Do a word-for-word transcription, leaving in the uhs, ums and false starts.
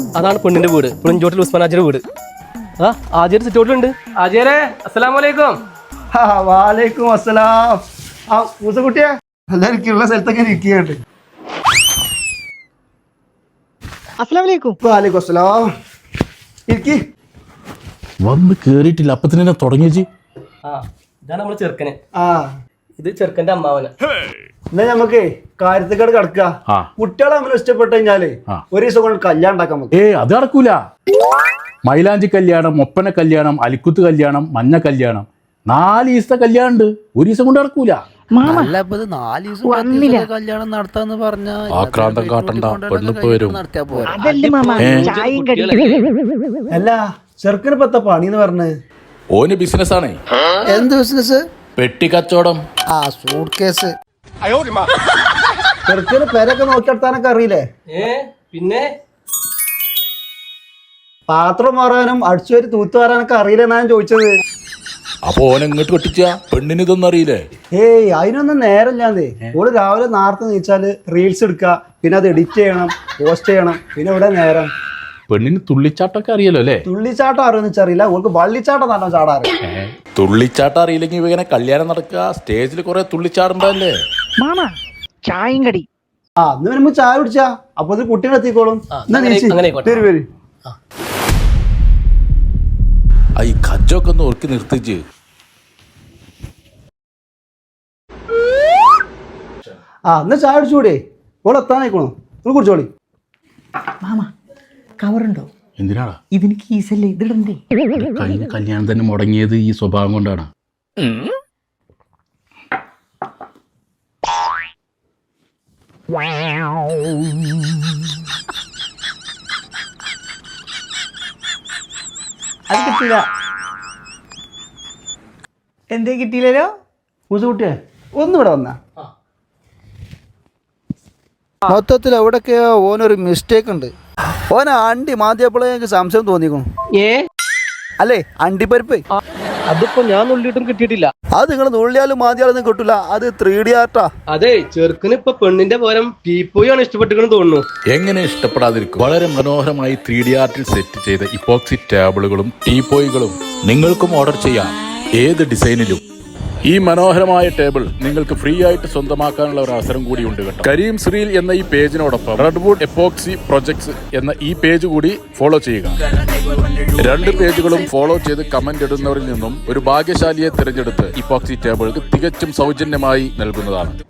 അതാണ് പെണ്ണിന്റെ വീട്. പുളിഞ്ചോട്ടിൽ ഉസ്മാൻ ആജിയുടെ വീട്. ആ ആജിയുടെ സിറ്റൗട്ടിലുണ്ട്. ആജിയരെ അസ്സലാമു അലൈക്കും. വാലേക്കും അസ്സലാം. ആ മൂസക്കുട്ടിയെ എല്ലാവർക്കും ഉള്ള സ്ഥലത്തൊക്കെ ഇരിക്കുകയുണ്ട്. അസ്സലാമലൈക്കും. വാലേക്കും അസ്സലാം. ഇരിക്കി. വന്ന് കേറിയിട്ടില്ല അപ്പത്തിന് തുടങ്ങിയച്ച്. ആ ഇതാണ് നമ്മളെ ചെറുക്കന്. ആ ഇത് ചെറുക്കന്റെ അമ്മാവന്. എന്നാ ഞമ്മക്ക് കാര്യത്തിലേക്കാട് കിടക്കുക. കുട്ടികളെ നമ്മൾ ഇഷ്ടപ്പെട്ട് കഴിഞ്ഞാല് ഒരു ദിവസം കൊണ്ട് കല്യാണം ഉണ്ടാക്കാൻ നമുക്ക്. ഏ അത് നടക്കൂല. മൈലാഞ്ചി കല്യാണം, ഒപ്പന കല്യാണം, അലിക്കുത്ത് കല്യാണം, മഞ്ഞ കല്യാണം, നാല് ദിവസത്തെ കല്യാണം ഉണ്ട്. ഒരു ദിവസം കൊണ്ട് നടക്കൂല. കല്യാണം നടത്താന്ന് പറഞ്ഞാ ആക്രാന്തം കാട്ടണ്ട, പെണ്ണിപ്പ് വരും. അല്ല ചെറുക്കന് പത്ത പണിന്ന് പറഞ്ഞ് ഓന് ബിസിനസ് ആണേ. എന്ത് ബിസിനസ്? പെട്ടി കച്ചവടം. ആ സൂട്ട് കേസ്. ചെറുക്കന് പേരൊക്കെ നോക്കിയെടുത്താനൊക്കെ അറിയില്ലേ? ഏ പിന്നെ പാത്രം മാറാനും അടിച്ചുവരി തൂത്ത് മാറാനൊക്കെ അറിയില്ല എന്നാ ഞാൻ ചോദിച്ചത്. അപ്പൊ ഓൻ എങ്ങോട്ട് കെട്ടിച്ച പെണ്ണിന് ഇതൊന്നും അറിയില്ലേ? ഏയ് അതിനൊന്നും നേരമില്ലാന്നേ. ഓള് രാവിലെ നേരത്തെ നീച്ചാല് റീൽസ് എടുക്കുക, പിന്നെ അത് എഡിറ്റ് ചെയ്യണം, പോസ്റ്റ് ചെയ്യണം, പിന്നെ ഇവിടെ നേരം. പെണ്ണിന് തുള്ളിച്ചാട്ടൊക്കെ അറിയല്ലോ അല്ലേ? തുള്ളിച്ചാട്ടം അറിയുന്ന വെച്ചറിയില്ല, ഓൾക്ക് വള്ളിച്ചാട്ടം നല്ലോ ചാടാറ്. തുള്ളിച്ചാട്ടം അറിയില്ലെങ്കിൽ ഇങ്ങനെ കല്യാണം നടക്കുക, സ്റ്റേജിൽ കുറെ തുള്ളിച്ചാടണ്ടല്ലേ? മാമ ചായയും കടി. ആ ഇന്ന് വരുമ്പോ ചായ കുടിച്ചാ അപ്പൊ ഇത് കുട്ടീനെ എത്തിക്കോളും. വരും വരും. ഈ കജ്ജൊക്കെ ഒന്ന് ഓർക്കി നിർത്തിച്ച്. ആ എന്നാ ചായ കുടിച്ചുകൂടെ? ഓൾ എത്താനായിക്കോളൂ, നിങ്ങൾ കുടിച്ചോളി. മാമ കവറുണ്ടോ? എന്തിനാടാ? ഇതിന് കീസല്ലേ, ഇതിടണ്ടേ? കഴിഞ്ഞ കല്യാണം തന്നെ മുടങ്ങിയത് ഈ സ്വഭാവം കൊണ്ടാണ്. അത് കിട്ടില്ല. എന്തേ കിട്ടിയില്ലല്ലോ? മൂസുകുട്ടിയെ ഒന്നിവിടെ വന്നാ. മൊത്തത്തിൽ എവിടൊക്കെയോ ഓനൊരു മിസ്റ്റേക്ക് ഉണ്ട്. ഓന അണ്ടി മാതിയപ്പോഴേ എനിക്ക് സംശയം തോന്നിക്കണം. ഏ അല്ലേ അണ്ടിപ്പരിപ്പ്? അതിപ്പോ ഞാൻ നുള്ളിയിട്ടും കിട്ടിയിട്ടില്ല. അത് നിങ്ങൾ നുള്ളിയാലും മാതിയാലൊന്നും കിട്ടൂല. അത് ത്രീ ഡി ആർട്ടാ. അതെ ചെറുക്കന് ഇപ്പൊ പെണ്ണിന്റെ പകരം ടീപ്പോയാണ് ഇഷ്ടപ്പെട്ടിരിക്കണെന്ന് തോന്നുന്നു. എങ്ങനെ ഇഷ്ടപ്പെടാതിരിക്കും? വളരെ മനോഹരമായി ത്രീ ഡി ആർട്ടിൽ സെറ്റ് ചെയ്ത ഇപ്പോക്സി ടേബിളുകളും ടീപ്പോയികളും നിങ്ങൾക്കും ഓർഡർ ചെയ്യാം, ഏത് ഡിസൈനിലും. ഈ മനോഹരമായ ടേബിൾ നിങ്ങൾക്ക് ഫ്രീ ആയിട്ട് സ്വന്തമാക്കാനുള്ള ഒരു അവസരം കൂടിയുണ്ട് കേട്ടോ. കരീം ശ്രീൽ എന്ന ഈ പേജിനോടൊപ്പം റെഡ്വുഡ് എപ്പോക്സി പ്രൊജക്ട്സ് എന്ന ഈ പേജ് കൂടി ഫോളോ ചെയ്യുക. രണ്ട് പേജുകളും ഫോളോ ചെയ്ത് കമന്റ് ഇടുന്നവരിൽ നിന്നും ഒരു ഭാഗ്യശാലിയെ തിരഞ്ഞെടുത്ത് ഇപ്പോക്സി ടേബിൾ തികച്ചും സൗജന്യമായി നൽകുന്നതാണ്.